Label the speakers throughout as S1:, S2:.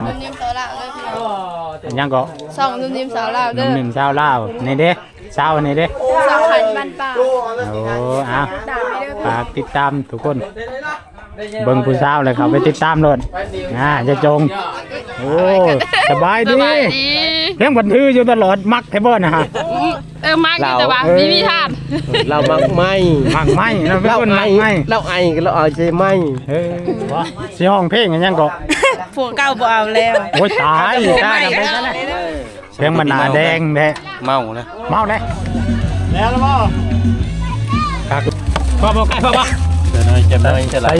S1: นุ่มนิ่มสาวลาวเลยพี่
S2: ยังก็
S1: สองนุ่มนิ่มสาวลาวเด้อ
S2: 1ชาวลาวนี่เด้ชาวนี่เด้
S1: สาวขันบ้านป่า
S2: โอ้เอาฝากติดตามทุกคนเบิ่งผู้สาวเลยเขาไปติดตามโลดจะจงโอ้สบายดีเพียงบันทึกอยู่ตลอดมักแท้บ่นะฮะ
S1: มักอยู่แต่ว่ามีทาน
S3: เรามักไม่
S2: มักไม่เราเป็นคนมักไม่
S3: เราไอเราเอาใจไม่
S2: สิห้องเพลงยังก็
S1: ผัวเก่าบ่เอาแล้ว
S2: โอ้ยตายได้ไปซะแล้วเพียงมันหน้าแดงแท้
S3: เมานะ
S2: เลยแล้วบ่ครับพ่อบ่ใกล้พ่อบ่
S3: เดี๋ยวน้อยเจ็บน้อยจะไหล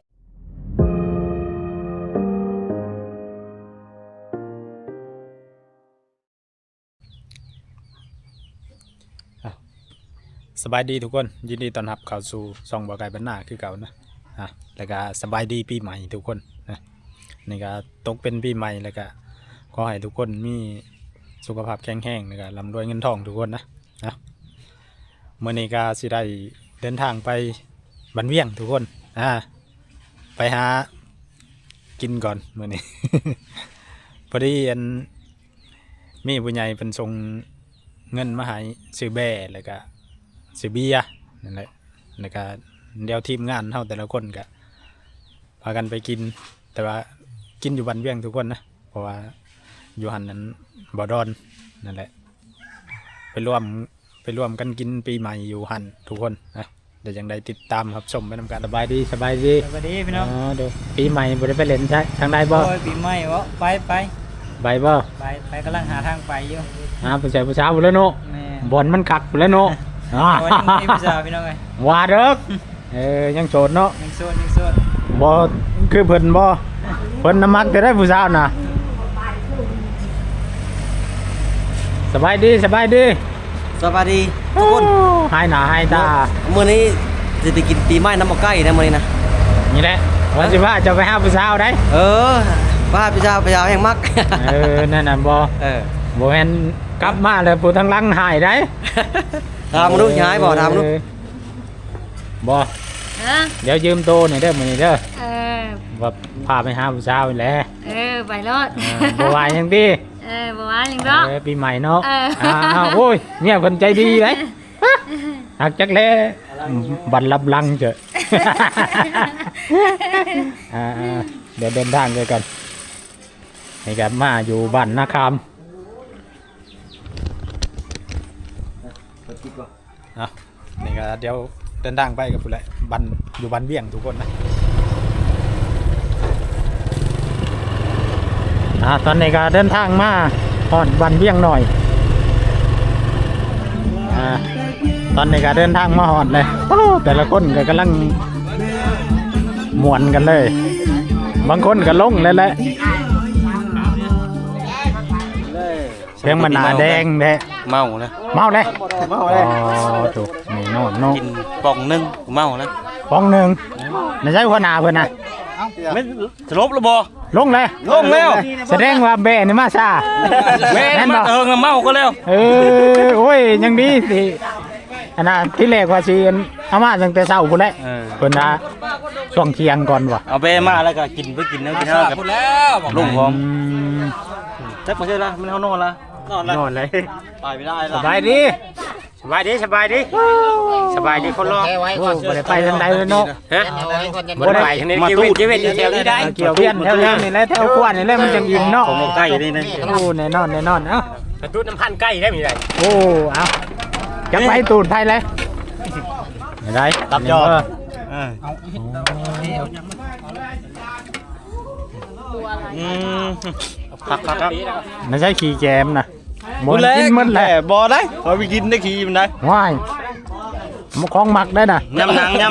S2: สบายดีทุกคนยินดีต้อนรับเข้าสู่ช่องบ่ไกลบ้านนาคือเก่านะแล้วก็สบายดีปีใหม่ทุกคนนะนี่ก็ตกเป็นปีใหม่แล้วก็ขอให้ทุกคนมีสุขภาพแข็งแรงแล้วก็ร่ำรวยเงินทองทุกคนนะมื้อนี้ก็สิได้เดินทางไปบ้านเวียงทุกคนไปหากินก่อนมื้อนี้ พอดีมีผู้ใหญ่เป็นส่งเงินมาให้ซื้อแบ่แล้วก็ซื้อเบียร์นั่นแหละแล้วก็เดี๋ยวทีมงานเฮาแต่ละคนก็พากันไปกินแต่ว่ากินอยู่บ้านเวียงทุกคนนะเพราะว่าอยู่หันนั้นบ่ดอนนั่นแหละไปร่วมกันกินปีใหม่อยู่หันทุกคนนะเดี๋ยวยังได้ติดตามครับชมไปนำกันสบายดี
S4: พี่น้อง
S2: เดี๋ยวปีใหม่บ่ได้ไปเล่นใช่ทางใดบ่
S4: ปีใหม่วะไป
S2: บ่
S4: ไปกำลังหาทางไปอยู่
S2: ผู้ชายผู้สาวแล้วเนาะบ่อนมันคักแล้วเนาะ
S4: ยังผู้สาวพี่น้องไง
S2: ว่าเด้อยังโสดเนาะ
S4: ยังโสด
S2: บ่คือเพิ่นบ่เพิ่นน้ำมักจะได้ผู้สาวน่ะสบายดี
S3: ทุกคน
S2: หายหน้าหายตา
S3: มื้อนี้จะไปกินปีใหม่น้ำมะไก่นะมื้อนี้นะ
S2: นี่แหละว่าสิว่าจะไปหาผู้สาวได้
S3: ว่าพี่สาวแห่งมัก
S2: นั่นน่ะบ่แม่นกลับมาแล้วผู้ทางหลังหายได้
S3: ถามมนุษย์ย้ายบ่ถามมนุษย์
S2: บ่เดี๋ยวยืมโตหน่อยเด้อมื้อนี้เด้อว่าพาไปหาผู้สาวนี่แหละ
S1: ไปรถ
S2: บ่ว่าหยังติ
S1: บ่ว่าหยังดอก
S2: ปีใหม่เนาะโอ้ยเนี่ยเพิ่นใจดีเลยหักจักแลบันลับลังเถอะเดี๋ยวเดินทางด้วยกันให้กันมาอยู่บ้านนาคามนี่ก็เดี๋ยวเดินทางไปกับผู้ใดอยู่บ้านเวียงทุกคนนะตอนนี้ก็เดินทางมาฮอดบ้านเวียงหน่อยตอนนี้ก็เดินทางมาฮอดเลยแต่ละคนก็กำลังม่วนกันเลยบางคนก็ลงเลยแหละเพียงมันหน้าแดงแท้
S3: เมา
S2: เลยถูกนี่โน่
S3: กินป่องนึงเมาแล้ว
S2: ป่องนึงไม่ใช่หัวหน้าเพิ่นน่ะ
S3: ไม่สลบแล้วบ่
S2: ลงแล้วแสดงว่าแบนี่มาซ่า
S3: แม่มาเมาก็แล้ว
S2: โอ้ยยังดีสิอันน่ะที่แรกว่าสิเอามาตั้งแต่เช้าพุ่นแหละเพิ่นน่ะช่วงเที่ยงก่อนว่ะ
S3: เอาแบมาแล้วก็กินแล้วกับลุงพร้อมจักบ่ใช่ละมันเฮานอนละ
S2: นอนเลย
S3: ไปไม่ได้ละ
S2: สบายดีคนรอบ่ได้ไปทางใดเลยเนาะ
S3: บ่ได้ไปทางนี้เกี่ยวอยู่แถวนี้ได้
S2: เกี่ยวเวียนแถวนี่แหละแถวกวนนี่แหละมันจังอิ่มเนาะ
S3: ของใกล้นี่นะ
S2: แน่นอนเอ้า
S3: ตูดน้ำพันใกล้ได้มีได้
S2: เอาจะไปตูดไทยเลยได้
S3: รับยอด
S2: ครับไม่ใช่ขี่แกมนะ
S3: มันกินมันแหละบอได้พอไปกินได้ขี่มันได้
S2: ว้ายมันคล้องหมักได้นะ
S3: ยำหนัง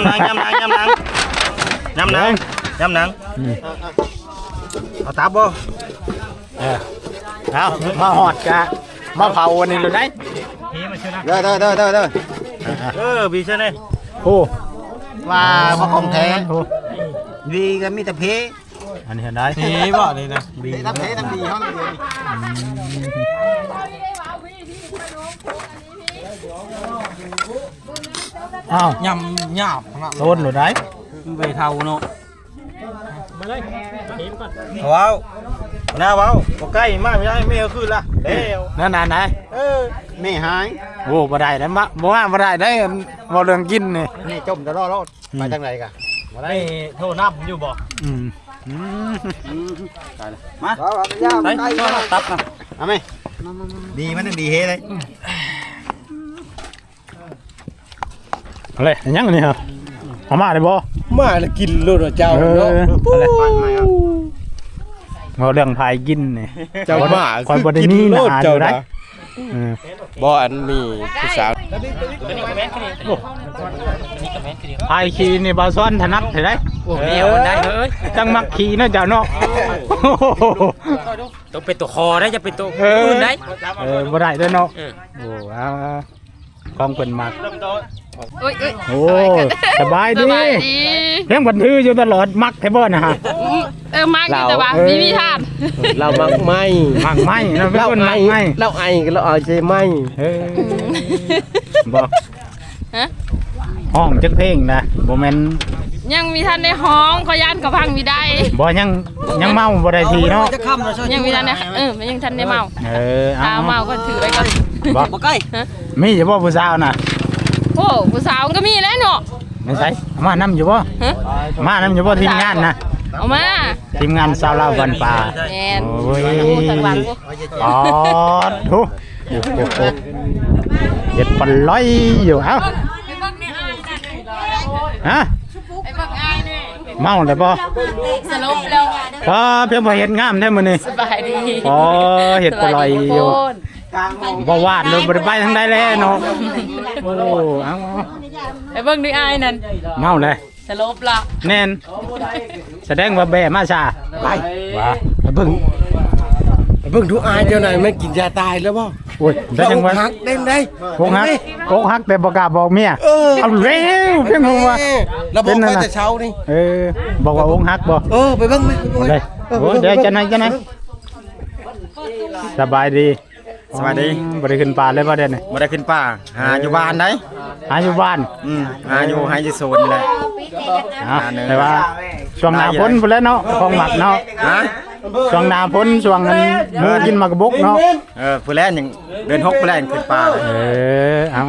S3: เอาตาบ่
S2: เอามาหอดกะมาเผาวันนี้เลยได้
S3: บีเช่นนี้
S2: โอ้
S3: มาของแท้ดีก็มีแต่เพ
S2: อันนี้เห็นได้
S3: เพบ่เลยนะ
S2: บีน้ำเพน้ำบีห้องเดียวอ้าวย
S3: ำหยาบ
S2: โดนหรือได้
S3: ไปเท่าเนาะ
S4: มาเลยทีมก่อน
S3: ว้าวหน้าเว้าบ่ใกล้มาไม่ได้แม่ก็คือละเด้ว
S2: นั่นน่ะไหน
S3: แม่หาย
S2: โอ้บ่ได้แล้วบ่ได้ได้บ่เรื่องกินนี่
S3: นี่จมจะรอดไปทางไหนกะบ่ได้โทรนับอยู่บ่
S2: อืม
S3: ตายแล้วมาไปตับนะเอาไหมดีมันดีเฮ้เลย
S2: อะไรยังนี่ครับเอามาได้บ่
S3: มาแล้วกินโลดเจ้า
S2: เอ
S3: เนาะ
S2: ออะไรเอาเรื่องพายกินนี่
S3: เจ้ามา
S2: คอยบ่ได้มีนะเจ้าได้
S3: บ่อันมีผู้สาว
S2: พายขี่นี่บ่ซ้อนถนัดได้
S4: เดี๋ยวได้เอ้ย
S2: จังมักขี่เนาะเจ้าเนาะ
S4: ต้องเป็นตัวคอได้จะเป็นตัว
S2: เออ
S4: อื่นได้
S2: บ่ได้เด้อเนาะโอ้เอาของเพิ่นมัก
S1: โอ้ย
S2: โอ้สบาย
S1: ส
S2: ดี
S1: บายดี
S2: เรื่องบันทึกอยู่ตลอดมักแท้บ่นะฮะ
S1: มากอยู่แต่ว่ามีธาตุ
S3: เรามักไม่
S2: มักไหมเราเป็นคนมักไหม
S3: เราไอเราเอาใจไม่
S2: เออบอก
S1: ฮะ
S2: ห้องจักเพลงนะบ่แม่น
S1: ยังมีท่านในห้องขอย่านกับพังมีได้
S2: บ่ยังเมาบ่ได้ทีเนาะ
S1: ยังมีท่านในยังท่านในเมา
S2: เออ
S1: ตาเมาก็ถือไว้ก่อน
S2: บ่ใกล้มีอยู่บ่ผู้สาวน่ะ
S1: โอ้ผู้สาวก็มีแล้วเนาะ
S2: ไม่ใช่เอามานํอยู่บ่
S1: ฮะ
S2: มานํอยู่บ่ทีมงานนะ
S1: เอามา
S2: ทีมงานสาวลาวบันป่า
S1: แมน
S2: โอ้ย
S1: ทางหลัง
S2: อ๋อทุโอ้โหเฮ็ดปลลอยอยู่เอ้าฮะ
S1: ไอ้บักอายเนี่ย
S2: เมาเลยบ่
S1: สลบแล้ว
S2: พอเพียงพอเห็ดงามได้มื้อนี้
S1: สบายดี
S2: อ๋อเห็ดปลอยอยู่บ่วาดเลยบ่ได้ไปทางใดแล้วเนาะโอ้เอา
S1: ไอ้เบิ่งดิอายนั่น
S2: เมาเลย
S1: สลบละ
S2: แน่นแสดงว่าแบ่มาซาไปว่าไปเบิ่ง
S3: ดูอายเจ้าหน่อยไม่กินยาตายแล้วบ่
S2: โอ้ยได้จังว่า
S3: หักเด้งได้
S2: อกหักแต่บ่กล้าบอกเมียเอาเร็วเพียงว่า
S3: เราบอกไปแต่เช้านี่
S2: เออบอกว่าอกหักบ่
S3: ไปเบิ่งไหม
S2: เอาเลยโอ้เดี๋ยวจะไหนสบายดี
S3: สวัสดี
S2: บ่ได้ขึ้นป่าเลยบ่เด้นี่
S3: บ่ได้ขึ้นป่าหาอยู่บ้านได้
S2: หาอยู่บ้าน
S3: หาอยู่ให้อยู่โซนนี่แหละ
S2: แต่ว่าช่วงหน้าฝนพุ่นแหล้วเนาะของหมักเนาะ
S3: ฮะ
S2: ช่วงหน้าฝนช่วงนั้นหมูกินหมากกะบกเนาะ
S3: ผู้แรกยังเดิน6ผู้แรกขึ้นป่า
S2: เอา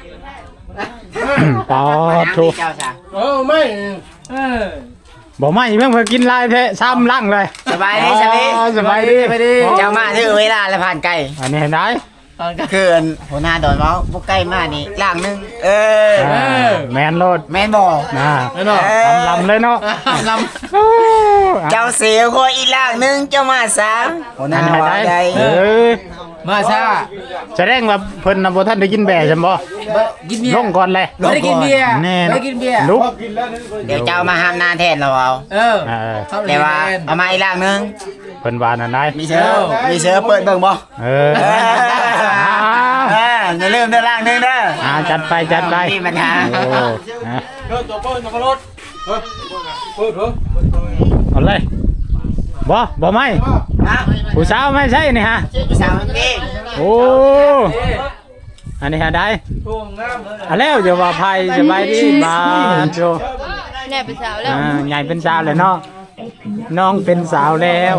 S2: ปอทู
S3: ไม่
S2: บ่ไม่เพิ่งเพิ่งกินลายแท้ซ้ำลังเลย
S5: สบายดีสบายดี
S2: สบายดี
S5: เจ้ามาถึงเวลาแล้วผ่านไก่
S2: อันนี้เห็นไหม
S5: คือหัวหน้าโดนเว้าพวกไก่มานี่ล่างหนึง
S2: แมนโลด
S5: แม่นบ่
S2: นะทำลำเลยเนาะ
S5: ลำเจ้าเสียวคอยอีกล่างหนึงเจ้ามาซะหัวหน้าว่าได้
S3: มาซะ
S2: แสดงว่าเพิ่นน่ะบ่ทันได้กินแบ่ใช่บ่
S5: กินเบีย
S2: ล
S5: ร์
S2: งก่อนเลย
S5: ไม่ได้กินเบียร์
S2: แน่
S5: ไม่ได้กินเบียร์
S2: ลุก
S5: เดี๋ยวเจ้ามาห้ามหน้าแทนเราเอา แต่ว่าเอามาอีกล่างหนึง
S2: เพิ่นว่านั่นได้
S5: มีเสือเปิดเบิ่งบ่ อย่าลืมเด้อล่างหนึงเด้อ
S2: จัดไป
S5: มีปัญหา
S2: โอ้เอาเลยบ่ไม่ผู้สาวไม่ใช่นี่ฮะ
S5: สาวนี่
S2: โอ้อันนี้ฮะได้แล้วจะว่าภัยสบายดีบ้านโจ
S1: แน่เป็นสาวแล้ว
S2: ใหญ่เป็นสาวเลยเนาะน้องเป็นสาวแล้ว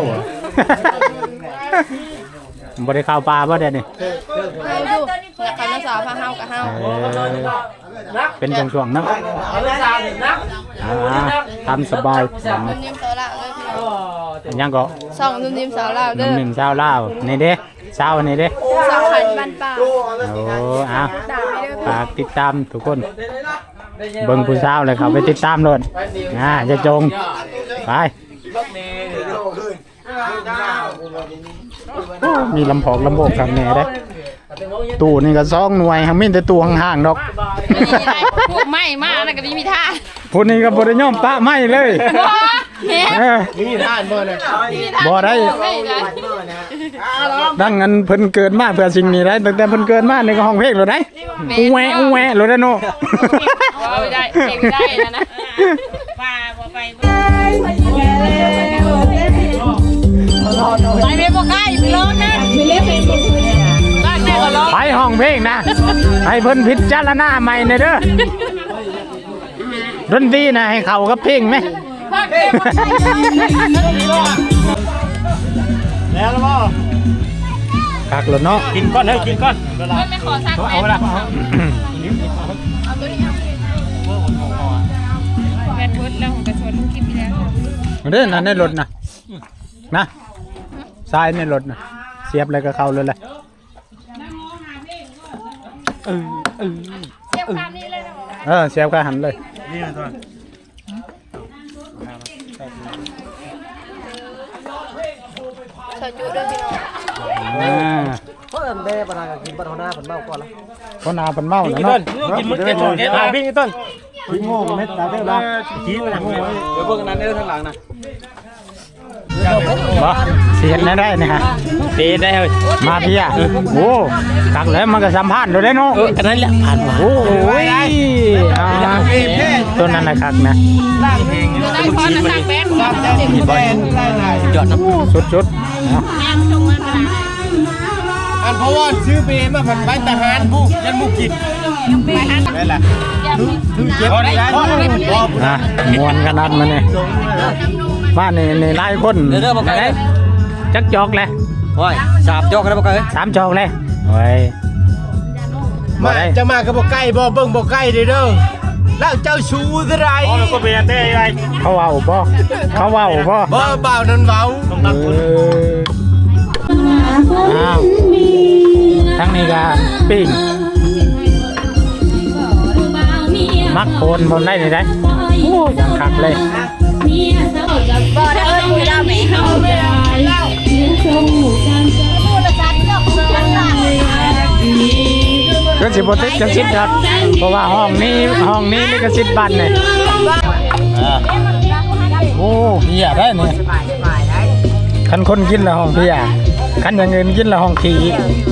S2: บ่ได้เข้าป่าบ่ได้นี่
S1: เอาดูแล้วเขาจะสาวพาเฮากับเฮา
S2: เป็นช่วงๆเนาะทำสบาย
S1: นุ่มนิ่มสาวลาวเลยพี่
S2: ยังก็
S1: ส่องนุ่มนิ่มสาวลาวเด้อ
S2: หนึ่งสาวลาวนี่เด้สาวนี่เด้
S1: สาวขันบ้านป่า
S2: โอ้ฝากติดตามทุกคนเบิ่งผู้สาวเลยเขาไปติดตามโลดจะจงไปมีลำพอกลำโบกทางแหน่ได้ตู้นี่ก็2หน่วยทางมินแต่ตู้ห่างๆดอก
S1: พวกไม่มาแล้วก็มีท่า
S2: ผู้นี้ก็บ่ได้ย่อมปะไม้เลยมีท่านบ่เลยบ่ได้ดังนั้นเพิ่นเกิดมาเพื่อสิ่งนี้ได้ตั้งแต่เพิ่นเกิดมาในห้องเพลงโลดได้อูแหวโลดได้โน
S1: ไม่ได้เองได้นะไปเว็บใกล้ไปร้องนะบ้านแม่ก็ร้อง
S2: ไปห้องเพลงนะให้เพิ่นพิจารณาใหม่หน่อยเด้อดนตรีนะให้เข้ากับเพลงไหม
S3: แล้วบ่
S2: คักแล้วเนาะ
S4: กินก้อนเฮ้ยกินก้อน
S1: ไม่ขอซัก
S4: เอาเวลา
S1: เอาตัวนี้เอาแบนพุทธแล้วของกระชนคลิปที่แล้ว
S2: เด้อนั่นในรถนะนะทรายในรถนะเสียบอะไรก็เข้าเลยแหละ
S1: เทียบคำนี้เลยนะ
S2: เสียบก็หันเลย
S3: นี่มันตัว
S1: เชิญอยู่ด้วยพี่น้อง
S3: เพราะแม่ปนากินปนาหน้าเพิ่นเมาก่อนละ
S2: เขานาเป็นเมาแล้ว
S4: ต้
S2: เนาะ
S4: นกินมึงเก็บถุงเก็บอ่ะพี่ต้น
S3: พี่โง่เม็ดตาเด้อบ่
S4: กินมันโง่
S3: เดี๋ยวเบิ่งนั้นเด้อทางหลังนะ
S2: บ่เสียบได้เนี่ยฮะ
S4: เตะได้เฮ้ย
S2: มาพี่อ่ะโอ้คักเลยมันก็สัมภาษณ์เลยได้เนาะ
S4: อันนั้นแหละผ่านมา
S2: โอ้ยตัวนั้นนะครับนะ
S1: จะได้พอนะซักแบนพุทธเด็กแบน
S4: ยอดน้ำ
S2: สุดๆเนาะ
S1: แม่ชงมันเป็น
S3: อันเพราะว่าซื้อเบมาผันไปทหารผู้ยันมุกิน
S1: ไปหัน
S3: นั่นแหละ
S1: เก็บได้
S2: นะมวนขนาดมันเนี่ยบ้านในไล่คน
S4: เด้อบอกไก่
S2: จักจอกเลย
S4: โอ้ยสาบจอกกันแล้วบอกไก่
S2: 3จอกเลยโอ้ยบ่ได้
S3: จะมากับบ่ใกล้บ่เบิ่งบ่ใกล้เด้อแล้วเจ้าชู้ซะไร
S4: อ๋อมันก็เบียร์เต้ไง
S2: เขาเว้าบ่เขาเว้าบ่
S3: บ่เบานั้นเว้า
S2: อ้าวทั้งนี้ก็ปิ้งมักโคนบนได้นี่ได้โอ้ยังคักเลย
S1: บ่ได้เอิ้นคุยเล่าแหมเฮาพูดกันเนาะเรื่อง
S2: ก็สิบ่ติดจังสิครับ เพราะว่าห้องนี้นี่ก็สิบบันเลยโอ้เหี้ยได้นี่คันคนกินละห้องเหี้ยคันอย่างอื่นกินละห้องขี้อีก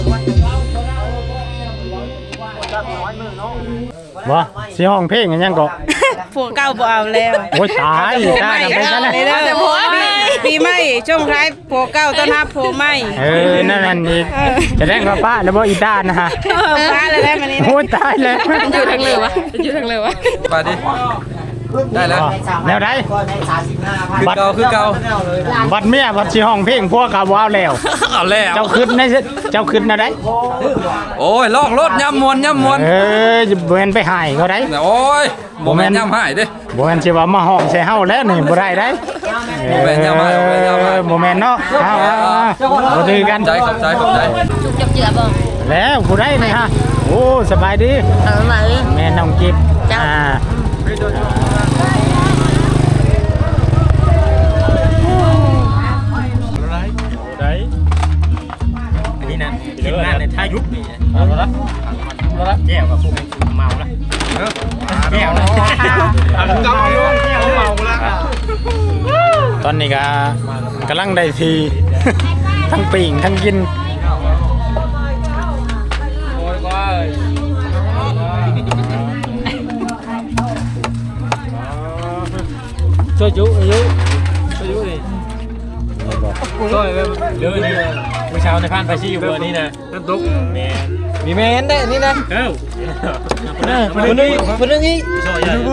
S2: บ่สิห้องเพลงกันยังก็
S6: ผัวเก่าบ่เอาแล้ว
S2: โอ้ยตายตายไปซะแล้ว
S6: แต่ผัวปีใหม่ช่วงท้ายผัวเก่าต้อนรับผัวใหม่
S2: นั่นอีกจะแรงว่าป้าแล้วบ่อีตานะฮะ
S6: ฟ้าเลยได้มานี่
S2: โอ้ยตายเลย
S1: อยู่ทางเลยวะอยู่ทางเลยวะ
S4: ไปดิได้แล้ว
S2: แนวใด
S4: คือเก่า
S2: บัดเมียบัดสิห้องเพลงพวกเขาบ่เอาแล้ว
S4: เอาแล้ว
S2: เจ้าขึ้นนะเจ้าขึ้นนะได้
S4: โอ้ยลอกรถย่ำมวนย่ำมวน
S2: จะบ่แม่นไปหายเขาได้
S4: โอ้ยโมเมนต์ย่ำหายดิ
S2: บ่แม่นสิว่ามาห้องใส่เฮาแล้วนี่บ่ได้ได้
S4: บ่แม่นอย่ามาบ่แม่นอย่ามา
S2: บ่แม่นเนาะเอาบ่ถือกัน
S4: ใจขอบใจขอบใจ
S1: จุกจับเจือบ่
S2: แล้วผู้ใดนี่ฮะโอ้สบายดี
S1: ไหน
S2: แม่น้องจิ๊บ
S4: ได้อันนี้นะทีมงานในท่ายุบนี่เอาละแก้วกับพวกเมาละแก้วนะ
S3: กำอยู่เมาแล้ว
S2: ตอนนี้ก็กำลังได้ที ทั้งปิ่งทั้งกิน
S4: ช่วยยุดิช่วยเดี๋ยวนี้เมื่อเช้าในพานไปชี้อยู่เบอร์นี้นะน้ำตกแมน
S3: มีแมนได้นี่นะ
S4: เอ้า
S3: คนนึงอี
S4: ช่วยยัง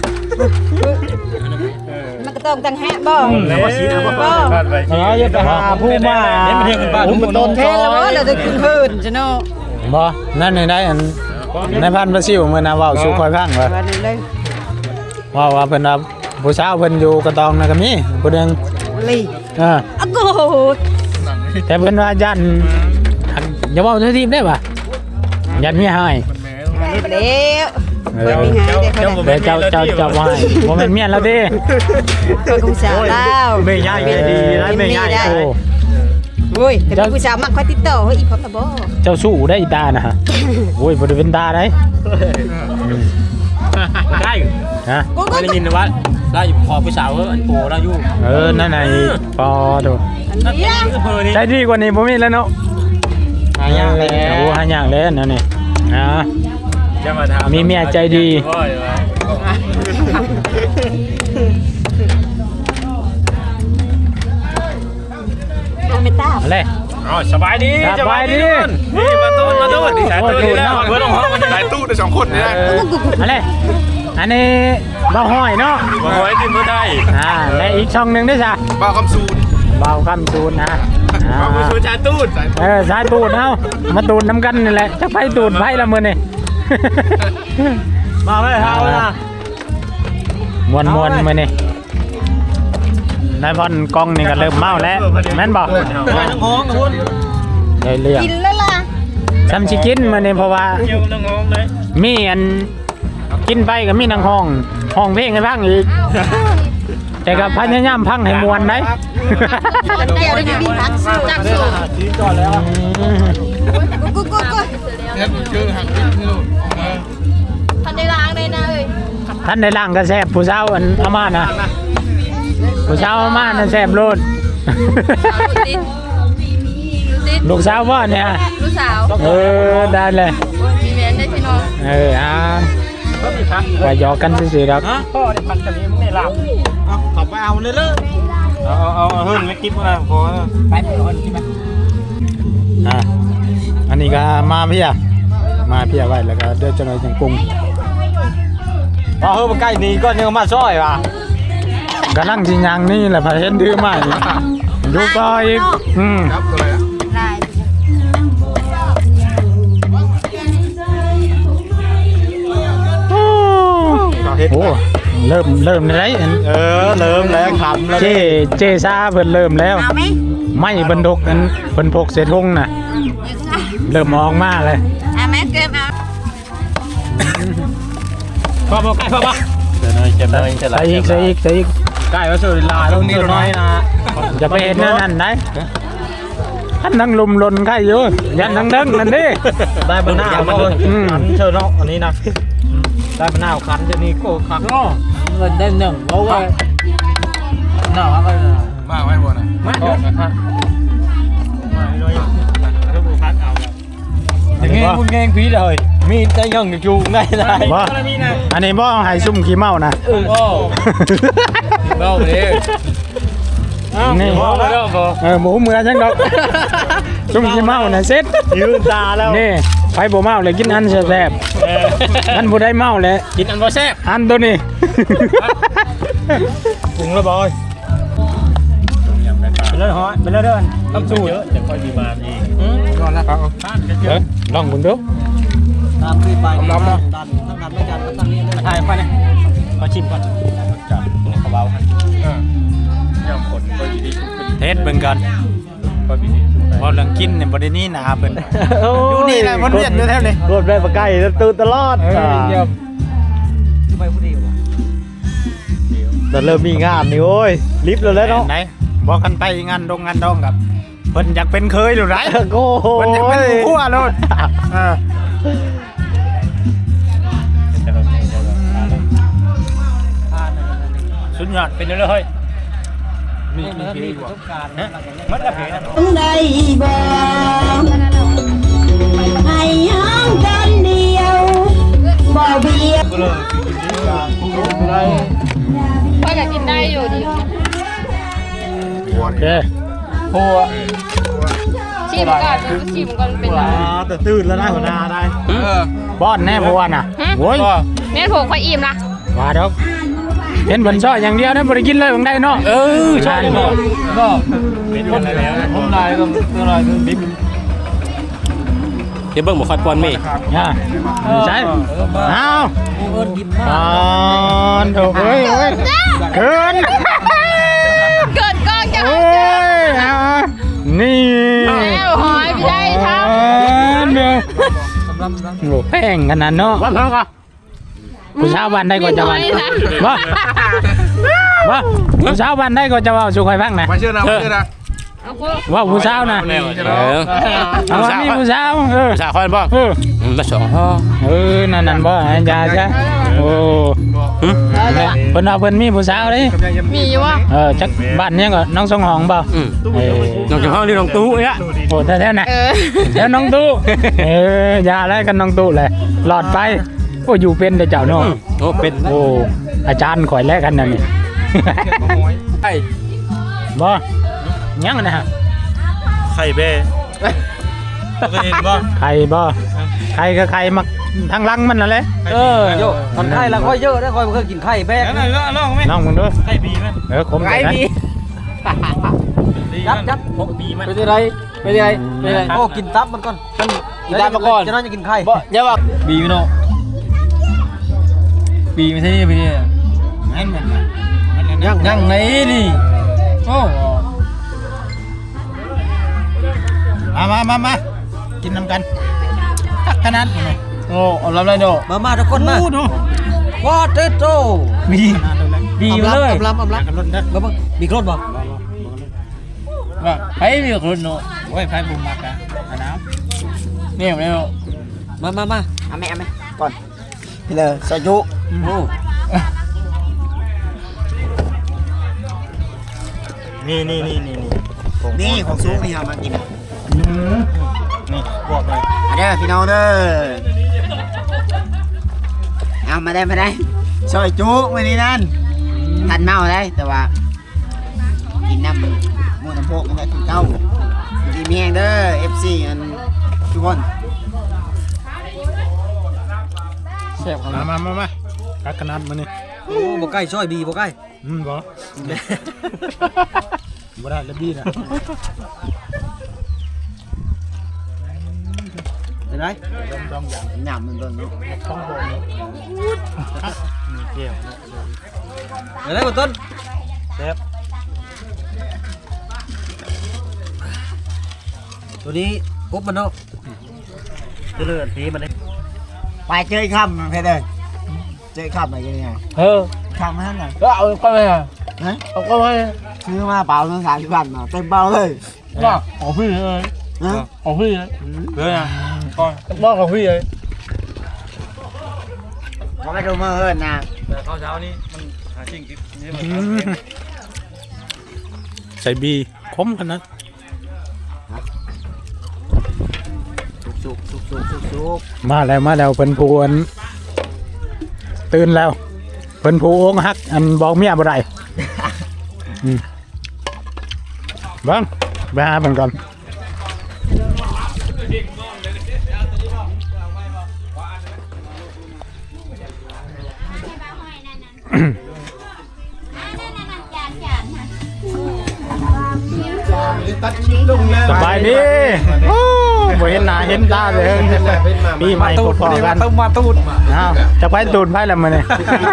S6: มันก็ต้องตั้งแฮะบ่
S4: แล้วว่าชี้นะว่าพานไปชี้
S2: อย่าไปหาผู้มา
S4: เนี่ยมันเที่ยงกันบ้าน
S2: มันต้น
S6: เทแล้วบ่เราจะคืนจะเนาะ
S2: บ่นั่นได้อันในพันธุ์ซิวมื้อน่ะเว้าสู่คอยฟังว่า
S6: วันนี้เลย
S2: ว่าเพิ่นว่าผู้สาวเพิ่นอยู่กระตองน่ะก็มีผู้หนึง
S6: ลี
S2: อ่า
S6: อะโกด
S2: แต่เพิ่นว่ายันอย่าเว้าในทีมได้ป่ะยันเมียให้
S6: แล้ว
S2: เอ
S6: เพิ่น
S2: อ
S6: มีหายได้เพิ่น
S2: เดี๋ยวเจ้าว่าให้บ่แม่นเมียแล้วเด้
S6: เพิ่นผู้สาวลาว
S2: แม่ยายใจดีร้ายแม่ยายโอ้
S6: โอ้ยแต่ผู้สาวมักคอยติดต่อเฮ้ยอีพ่อตะบ่
S2: เจ้าสู้ได้อีตานะฮะโอ้ยบ่ได้เป็นตาได้
S4: ได้
S2: ฮะ
S4: ไม่ได้ยินนะว่าได้อยู่พอผู้สาวอันโปเราอยู่
S2: นั่นน่ะปอโด
S6: อันนี้
S4: เบอร์นี้
S2: ใจดีกว่านี้บ่มีแล้วเนาะ
S4: หายากแล้ว
S2: โอ้หายากแล้วนั่นนี่อ่า
S4: จะมาถาม
S2: มีเมียใจดี
S6: ไม่ตาม
S2: อะไร
S4: อ๋อสบายดี
S2: สบายดี
S4: นี่มาตู้สายตู้นี่นะเพื่อนของเขาสายตู้ได้2คนนี่นะ
S2: อะไรอันนี้บ่ห้อยเนาะ
S4: มาไว้ที่มือได้
S2: และอีกช่องหนึงด้วยจ้ะ
S3: บ่าวคำซูน
S2: เบาคำซูนนะ
S4: มาชูชาตูด
S2: สายตูดเอามาตูดน้ำกันนี่แหละจะไปตูดไปละมือนี่
S4: มาไม่เอาละ
S2: มวนมือนี่นายพรกองนี่ก็เริ่มเมาแล้วแม่นบอก
S4: ไม่ต้องห้องนะคุณ
S2: ได้เรื่อง
S6: กินแล้วล่ะ
S2: ซ้ำชิกินมือนี่เพราะว่า
S4: เกี่ยวต้องห้องเลย
S2: มีอันกินไปกับมีนางห้องเพลงให้พังอีกแต่กับพยายามพังให้มวนได้
S6: เดี๋ยวได้กินผักจากสูตร
S4: กินก่อนแล้ว
S6: กู
S1: ทันได้ล้างเลยนะเอ้ย
S2: ท่านในร่างก็แซ่บผู้เช้าอันอาม่านะผู้เช้าอาม่านะแซ่บโลด
S1: ติดติด
S2: ลูกสาวว่าเนี่ย
S1: ลูกสาว
S2: ได้เลย
S1: มีแมนได้พี่น้อง
S4: ก็มีพัก
S2: ว่าหยอกกันซื่อๆครับ
S4: พ่อได้พักกันนี้มึงได้หลับเอาขับไปเอาเลยเอาเฮิร์นไม่กิ๊บนะพอไปเฮิร์นกิ๊บไหม
S2: อันนี้ก็มาเพียไว้แล้วก็เดี๋ยวจะหน่อยจังปรุง
S4: พอเฮิร์นมาใกล้นี้ก็ยังมาซ้อยว่ะ
S2: กำลังสิยังนี่แหละพระเห็นดื้อใหม่ดูต่ออีกครับตัวอะไรโอ้เริ่มเลย
S4: เริ่มแล้วขำแล้ว
S2: เจซ่าเพิ่นเริ่มแล้วไม่บรรทุกอันเพิ่นพกเศษทงน่ะเริ่มออกมาเลย
S6: แม่เกินเอา
S4: พ่อบอกใกล้พ่อบอกเจ็บเลย
S2: ใส่อีก
S4: ใกล้ว่าสุดลาตรงนี้น้อยนะ
S2: จะไปเห็นนั่นไหนท่านนั่งลุมลนใครอยู่ยันนั่งนั่นดิ
S4: ได้บรรณาคันเชิญเนาะอันนี้นะได้บรรณาคันจะนี่ก็คันเนาะเงินได้หนึ่งเพราะว่าเนาะก็มาไว้บนนะมาดูนะครับมาเลยถ้าบุพัดเอาอย่างงี้คุณเก่งผีเลยมีได้ยังอยู่ง่ายได้
S2: บ่อันนี้บ่ให้ซุ่มขี้เมานะ
S4: โอ้เบาเลย
S2: นี่ หมูเมือจังดอกซุ่มขี้เมาน่ะเซ็ต
S4: ยืนตาแล้ว
S2: นี่ไปบ่เมาเลยกินอันแซ่บๆอันบ่ได้เมาเลย
S4: กินอันบ่แซ่บ
S2: อันตัวนี้
S4: ปรุงแล้วบอยไปเลยฮะไปเลยเดินต้องสู้เยอะเดี๋ยวค่อยมีมาอีกก่อนแล้วครับ
S2: ลองคุณดู
S3: ตามที่ไป
S4: น้ำเนาะ
S3: ดันทั้งนั้นไม่จัดก็ตั้งนี้เลย
S4: ถ่ายไปเนี่ยขอชิมก่อนจับกระเบาให้ย่ำผลก็ดี
S2: เทสเบิ่งก่อน
S4: ก็ดี
S2: บ่เรื่องกินเนี่ยบ่ได้นี่หนาเพิ่นอยู่นี่แหละมันเวียนอยู่แถวนี้
S4: รถได้ปลาไก่ตื่นตลอด
S3: ไปผู้เดียว
S4: แต่เริ่มมีงานนี่โอ้ยลิฟต์แล้วเนาะ
S2: ไหนบอกกันไปงานดองกับเพิ่นอยากเป็นเคยหรือไร
S4: โอ้โห
S2: เพิ่นอยากเป็นผัวโลดสุดยอดเป็นเลยเฮ้ย
S3: มีประสบการณ์
S4: มันละเพล
S7: ได้บ่ให้ห้างกันเดียวบ่เบียด
S1: ก็อยากกินได้อยู่ดิ
S2: โอเค
S4: ผัว
S1: ชิมก่อนเป็นอะไร
S4: แต่ตื่นแล้วได้หัวหน้าได้
S2: ป้อนแน่ผัวน่ะโว้ย
S1: แม่นผมค่อยอิ่มละ
S2: ว่าดอกเห็นเพิ่นซ้ออย่างเดียวนะบ่ได้กินเลยบ่ได้เนาะใช่บ่
S4: ก็เป็นคนแล้วผมลายก็ตัวลายคือบิ๊ก
S5: เดี๋ยวเบิ่งบ่ค่อยปอนเมฆ
S2: ใช่เอาปอนโอ้ยเกิน
S1: เกิดกองจะ
S2: โอ้ยนี่
S1: แล้วหอยไม่ได้ท
S2: โอ้แพงขนาดเนาะ
S4: ว่าเพิ่งอ่ะ
S2: ผู้สาวบ้านได้ก็จะว่าว่าผู้สาวบ้านได้ก็จะว่าสุขให้ฟังนะ
S3: มาเชื่อนะเชื่อนะ
S2: ว่าผู้สาวนะเอาว่ามีผู้สาว
S5: สาคอยบ่มาสอง
S2: นั่นบ่อย่าซะโอ้เพิ่นเอาเพิ่นมีผู้สาวเด้
S1: ำมีวะ
S2: จักบ้านเนี้ยก็น้องสองห้องบ่
S5: น้องจะห้องหรือน้องตู้เนี่ย
S2: โอ้แท้ๆน่ะแล้วน้องตู้อย่าแล้วกันน้องตู้เลยหลอดไปโอ้อยู่เป็นแต่เจ้าเนาะ
S5: โอ้เป็น
S2: โอ้อาจารย์ข่อยแลกกันนั่นนี่
S5: ไอ้
S2: บ่ยังนะฮะ
S4: ไข่เบ้เคยเห็นบ่
S2: ไข่บ่ไข่ก็ไข่มักทางหลังมันนั่นแหละ
S3: โยคนไข้ละค่อยเยอะได้ค่อยเคยกินไข่แบก
S4: นั่นน่ะลองไหม
S2: น้องมึงดู
S4: ไข่บีมั้ย
S2: คมไข่บี
S4: จับ6 ปีมันเป็นอะไรเป็นอะไรเป็นอะไรโอ้กินตับมันก่อนกินตับมาก่อนจะน่าจะกินไข่บ่อย่าบอกบีพี่น้องบีไม่ใช่นี่บียังไงดิโอ้
S3: มากินน้ำกันขนาด
S4: โอ้เอารับเลยโดมาทุกคนมาว้าเต้โตบีเลยอำลำ
S3: กันรถเด้อ
S4: มีรถบ่ว่าไผมีรถเนาะ
S3: โอ้ยไผบุ้มมากะอันน้ำ
S4: นี่มา
S5: เอาไหมก่อนพี่เลยซอยจุโอ้ นี่ของซุปนี่เอามากิน
S3: นี่บวกเลย
S5: เด้อพี่น้องเด้อเอามาได้ซอยจุวันนี้นั่นทันเมาได้แต่ว่ากินน้ำมูน้ำโพกมันได้ถึงเก้าดีมีแห้งเด้อ FC อันทุกคน
S4: แซ่บครับ
S2: มากักขนาดมานี่
S4: โอ้บ่ใกล้ซอยบีบ่ใกล้
S2: บ่บ่ได้แล้วบี้นะ
S4: เป็นไร
S2: ต้องอย่าง
S5: หนำมันโดน
S2: ต้องโดนนี่เกี่ยวนะ
S4: เป็นไรบ่ต้น
S2: แซ่บ
S4: ตัวนี้ปุ๊บมันเนาะจะเลือดสีมันเลย
S5: ไปเจอคำมันเพชรเลยเจอคำอะไรยังไงคำนั้นน่ะ
S4: ก็เอาเข้าไปฮะ
S5: ฮะ
S4: เอาเข้าไป
S5: ซื้อมาเปล่าทั้ง30 วันเต็มเปล่าเลย
S4: ว่าเอาพี่เลย
S5: ฮะ
S4: เอาพี่เลยเพื่อนอ่ะก่อนบอกเอาพี่เลย
S5: เขาไม่ดูมือเฮิร์นนะ
S4: แต่ข้าวเช้านี้มันหาจริงนี่มัน
S2: ใส่บีคมขนาด
S5: สุก
S2: มาแล้วเพิ่นพูนตื่นแล้วเพิ่นพูโองฮักอันบอกเมียบ่ได้เบิ่งไปหาเพิ่นก่อนสบายดีโอ้บ่เห็นหน้าเห็นตาเลยปีใหม่พบกัน
S4: มาตูด
S2: อ้าวจะไปตูดไผแล้วมื้อนี้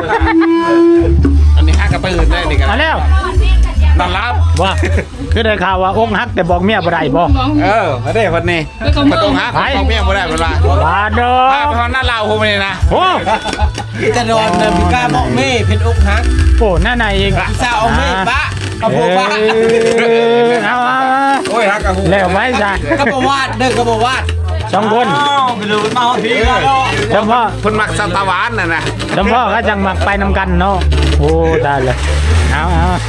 S3: อันนี้ห้ากระปืนได้นี่กัน
S2: มาแล้ว
S3: นอนรับ
S2: ว่าคือได้ข่าวว่าองค์ฮักแต่บอกเมียบ่ได้บ่
S3: มาได้วันนี้มาตรงฮักของเมียบ่ได้เวลา
S2: บาดอ
S3: พาไปหน้าเราโฮมเลยนะ
S2: โอ้
S4: จะโดนพิการบอกเม่เป็นอกหัก
S2: โอ้นั่นน่ะเอง
S4: สาวเม่ปะกระโปงปะ
S2: เอา
S3: โอ้ยฮักกระหู
S2: แล้วไว้จ้ะ
S4: กระโปงวาดเด้อกระโปงวาด
S2: 2 คน
S4: ไปเลยมาทีแล้ว
S2: เฉพาะ
S3: คนมักสัตว์หวานน่ะนะ
S2: เฉพาะก็จังมักไปนำกันเนาะโอ้ได้เลยเอา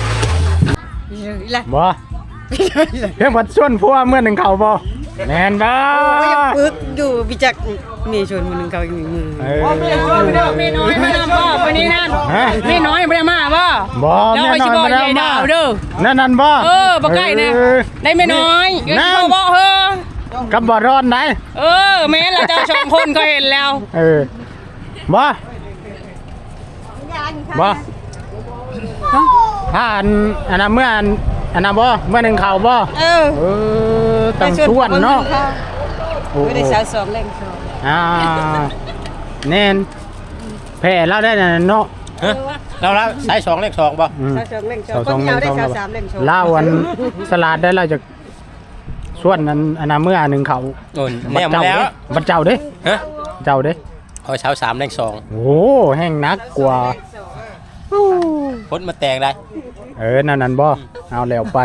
S2: บ่เพิ่นวัดส่วนพัวเมื่อหนึ่งเขาบ่แม่นบ่
S6: ปึกอยู่พิจักมีชวนมือนึงเขาอีกมือ
S1: ไม่น้อยมาบ่วันนี้นั่นไม่น้อยไม่ได้มาบ่
S2: บ่
S1: แล้ว
S2: แม่
S1: ไอ้
S2: น
S1: ชิ
S2: อน
S1: บอ
S2: บ่
S1: ย
S2: ได้
S1: ใหญ่
S2: มา
S1: ดาวเด้อ
S2: นั่นบ่
S1: บ่ใกล้นะได้ไม่น้อยเขาบอกเฮ้อ
S2: กับบ่ร้อนได้
S1: แม่เราเจ้า2 คนก็เห็นแล้ว
S2: บ่ถ้าอันนั้นเมื่ออันนั้นบ่เมื่อหนึ่งเขาบ่ต้องชวนเนาะ
S6: ไม่ได้สาวสองแรงสอง
S2: แน่นแพ้เราได้เนาะ
S4: เราใช้2เลข2ป่ะ
S6: สาวสองแรงสองคนยาวได้สาว3แรงสอง
S2: เล่าวันสลัดได้เราจะชวนอันนั้นเมื่อหนึ่งเขา
S4: แน่มาแล้ว
S2: บัดเจ้าเด้เจ้าเด้
S4: เอาเช้า3เลข2
S2: โอ้แห้งนักกว่า
S4: พ้นมาแตงได้
S2: นั่นบ่เอาแล้วไป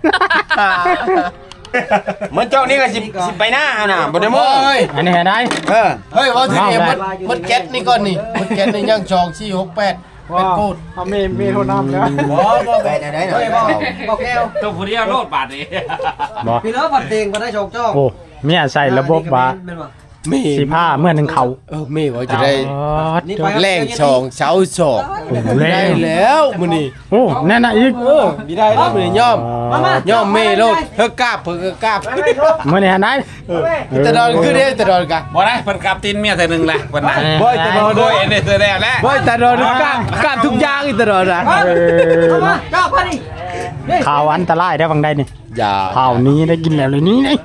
S5: เหมือนเจ้านี่ก็สิไปหน้าน่ะบ่ได้มื้อ
S2: อันนี้เห็นได้
S4: เฮ้ยว่าทีนี้มันแก๊สนี่ก่อนนี่มันแก๊สนี่ยัง2 4 6 8เป็นกูด
S2: เอามีโทรนำแล้ว
S5: บ่ไปได้เนาะ
S4: บ่แก้ว
S3: ตัวผู้เดียวโลดบาทนี่
S2: บ่
S4: พี่น้องผัดเตงมาได้ชงจ้อง
S2: โอ้เมียใส่ระบบว่า
S4: มี
S2: สิผ้าเมื่อหนึ่งเขา
S4: มีว่าจะได้แรง2เช้า2ได้แล้วมื้อนี้
S2: โอ้แน่น่ะอีก
S4: มีได้แล้วมื้อนี้ย่อมเมโลดเฮอกราบเพิ่นกราบ
S2: เมื่อนี้เห็นได้
S4: ตะดอนคือเด้ตะดอนกะ
S3: บ่ได้เพิ่นกลับตีนเมียเธอหนึ่งแหละวันนั้น
S4: บ่ตะดอน
S3: โดยเอ็นเธอแล้วแหละ
S4: บ่ตะดอนกราบทุกอย่างอีตะดอนนะ
S2: ข่าวอันตรายได้ฟังได้นี่
S3: อย่า
S2: ข้าวนี้ได้กินแล้วเลยนี่นี่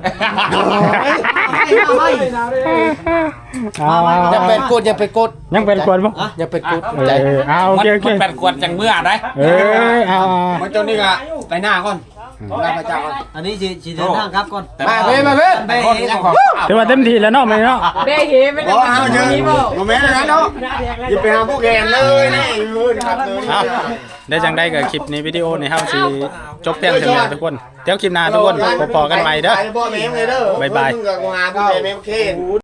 S2: เอา
S3: อย่าเป็นกดอย่าไปกด
S2: ยังเป็นคนปะ
S3: อย่าไปกด
S2: เออเอาโอเคโอเค
S4: มัน8 ขวดจังเมื่อได้
S2: เออเอา
S3: มันจนนี่ก็ไปหน้าก่อนลาพระเจ้าก่อน
S5: อันนี้สิเดินทางครับก่อน
S3: มาเว้ยมาเว้ยคนยังของ
S2: ถือว่าเต็มที่แล้วเนาะไม่เนาะ
S1: เบ้เฮไม่
S3: โอ้เอาเชิญโมเมนต์นั้นเนาะอย่าไปหาพวกแกนเลยนี่ครับเลย
S2: เอาได้จังได้กับคลิปนี้วิดีโอนี้เฮาสิจบเพียงเท่านี้ทุกคนเดี๋ยวคลิปหน้าทุกคนพบกันใหม่เด้อ
S3: ไปบ่แม่งเลยเด้อ
S2: บ๊ายบาย
S3: มึงกับกูหาพวกแม่งโอเค